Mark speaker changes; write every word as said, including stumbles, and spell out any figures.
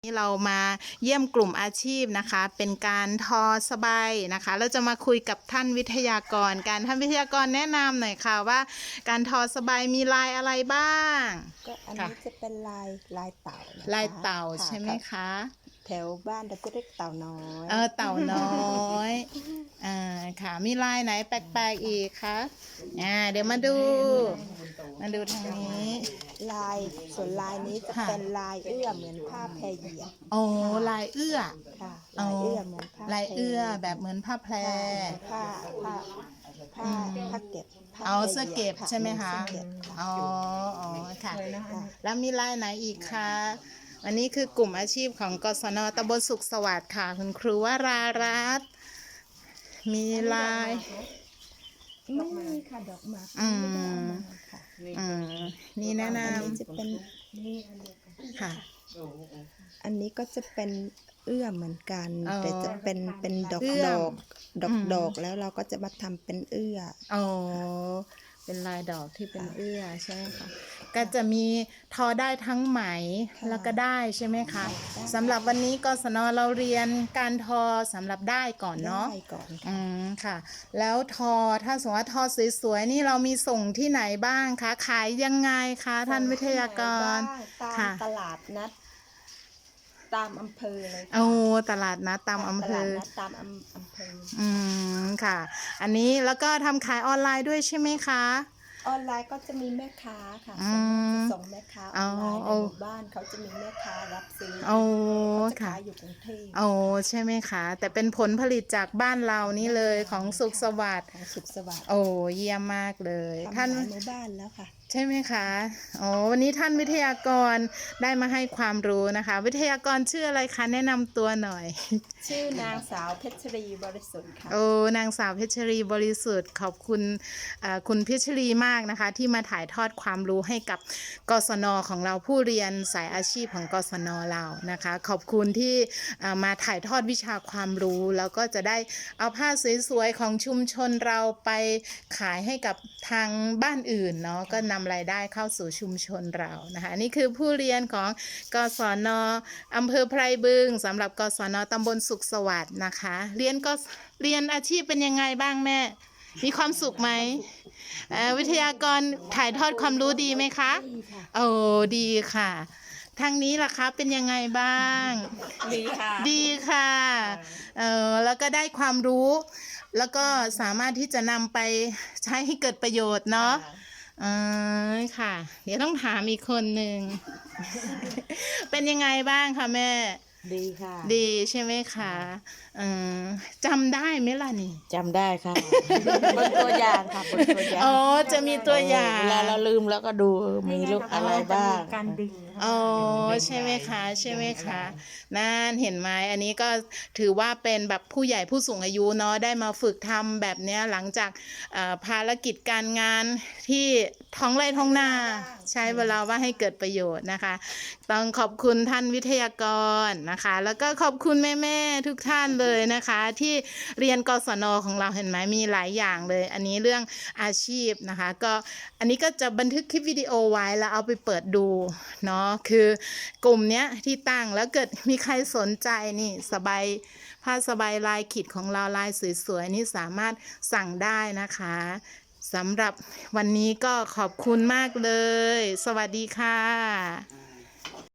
Speaker 1: นี่เรามาเยี่ยมกลุ่มอาชีพนะคะเป็นการทอสบายนะคะเราจะมาคุยกับท่านวิทยากรการท่านวิทยากรแนะนำหน่อยค่ะว่าการทอสบายมีลายอะไรบ้าง
Speaker 2: ก็อันนี้จะเป็นลายลายเต่านะคะ
Speaker 1: ลายเต่าใช่ไหมคะ
Speaker 2: แถวบ้านเราจะเรียกเต่าน้อย
Speaker 1: เออเต่าน้อยอ่าค่ะมีลายไหนแปลกๆอีกคะอ่าเดี๋ยวมาดูมาดูทางนี้
Speaker 2: ลายส่วนลายนี้จะเป็นลายเอื้อเหมือนผ้าแพรเหยียบ
Speaker 1: โอ้ลายเอื้อ
Speaker 2: ค่ะลายเอื้อเหมือนผ้า
Speaker 1: ลายเอื้อแบบเหมือนผ้าแพร
Speaker 2: ผ้าผ้าผ้าผ้าเก็บ
Speaker 1: เอาเสื้อเก็บใช่ไหมคะอ๋ออ๋อค่ะแล้วมีลายไหนอีกคะอันนี้คือกลุ่มอาชีพของกศน.ตำบลสุขสวัสดิ์ค่ะคุณครูวรารัตน์มีลาย
Speaker 2: ไม่มีค่ะดอกหมาก
Speaker 1: อื
Speaker 2: มค่ะ
Speaker 1: อืมนี่แนะน
Speaker 2: ำจะเป็น
Speaker 1: ค่ะ
Speaker 2: อันนี้ก็จะเป็นเอื้อเหมือนกันแต่จะเป็นเป็นดอกดอกดอกดอกแล้วเราก็จะมาทำเป็นเอื้อ
Speaker 1: อ๋อเป็นลายดอกที่เป็นเอื้อใช่ไหมคะก็จะมีทอได้ทั้งไหมแล้วก็ได้ใช่ไหมคะสำหรับวันนี้กศน.เราเรียนการทอสำหรับได้ก่อนเนาะ
Speaker 2: ได้ก่อน
Speaker 1: อืมค่ะแล้วทอถ้าสมมติว่าทอสวยๆนี่เรามีส่งที่ไหนบ้างคะขายยังไงคะท่านวิทยากร
Speaker 2: ตามตลาดนัดตามอำเภอเลย
Speaker 1: โอ้ตลาดนัดตามอำเภอ
Speaker 2: ตามอำเภอ
Speaker 1: อืมค่ะอันนี้แล้วก็ทำขายออนไลน์ด้วยใช่ไหมคะ
Speaker 2: ออนไลน์ก็จะมีแม่ค้าค่ะส่งแม่ค้าออนไลน์ในหมู่บ้านเขาจะมีแม่ค้ารับซื้อเขาจะขายอยู่กรุงเทพ
Speaker 1: โอ้ใช่ไหมคะแต่เป็นผลผลิตจากบ้านเรานี่เลยของสุขสวัสดิ์
Speaker 2: ของสุขสวัสดิ์
Speaker 1: โอ้เยี่ยมมากเลย
Speaker 2: ท่านหมู่บ้านแล้วค่ะ
Speaker 1: ใช่ไหมคะโอ้วันนี้ท่านวิทยากรได้มาให้ความรู้นะคะวิทยากรชื่ออะไรคะแนะนำตัวหน่อย
Speaker 2: ชื่อนางสาวเพชรีบริสุทธิ์ค่ะ
Speaker 1: โอ้นางสาวเพชรีบริสุทธิ์ขอบคุณคุณเพชรีมากนะคะที่มาถ่ายทอดความรู้ให้กับกศน.ของเราผู้เรียนสายอาชีพของกศน.เรานะคะขอบคุณที่มาถ่ายทอดวิชาความรู้แล้วก็จะได้เอาผ้าสวยๆของชุมชนเราไปขายให้กับทางบ้านอื่นเนาะก็นำรายได้เข้าสู่ชุมชนเรานะคะนี่คือผู้เรียนของกศน.อำเภอไพรบึงสำหรับกศน.ตำบลสุขสวัสดิ์นะคะเรียนก็เรียนอาชีพเป็นยังไงบ้างแม่มีความสุขไหมวิทยากรถ่ายทอดความรู้ดีไหมคะโอ้ดีค่ะทางนี้ล่ะคะเป็นยังไงบ้าง
Speaker 2: ดีค่ะ
Speaker 1: ดีค่ะเออแล้วก็ได้ความรู้แล้วก็สามารถที่จะนำไปใช้ให้เกิดประโยชน์เนาะเออค่ะเดี๋ยวต้องถามอีกคนหนึ่ง เป็นยังไงบ้างคะแม่
Speaker 2: ดีค่ะ
Speaker 1: ดีใช่ไหมคะเออจำได้ไหมล่ะนี่
Speaker 2: จำได้ค่ะบนตัวอย่างค่ะบนตัวอย่าง
Speaker 1: อ๋อจะมีตัวอย่าง
Speaker 2: เวลาเราลืมแล้วก็ดูมีรูปอะไรบ้าง
Speaker 3: การดึง
Speaker 1: อ๋อใช่ไหมคะใช่ไหมคะนั่นเห็นไหมอันนี้ก็ถือว่าเป็นแบบผู้ใหญ่ผู้สูงอายุเนาะได้มาฝึกทำแบบนี้หลังจากภารกิจการงานที่ท้องไร่ท้องนาใช้เวลาว่าให้เกิดประโยชน์นะคะต้องขอบคุณท่านวิทยากรนะคะแล้วก็ขอบคุณแม่ๆทุกท่านเลยนะคะที่เรียนกศน.ของเราเห็นไหมมีหลายอย่างเลยอันนี้เรื่องอาชีพนะคะก็อันนี้ก็จะบันทึกคลิปวิดีโอไว้แล้วเอาไปเปิดดูเนาะคือกลุ่มเนี้ยที่ตั้งแล้วเกิดมีใครสนใจนี่สบายผ้าสบายลายขีดของเราลายสวยๆนี่สามารถสั่งได้นะคะสำหรับวันนี้ก็ขอบคุณมากเลยสวัสดีค่ะ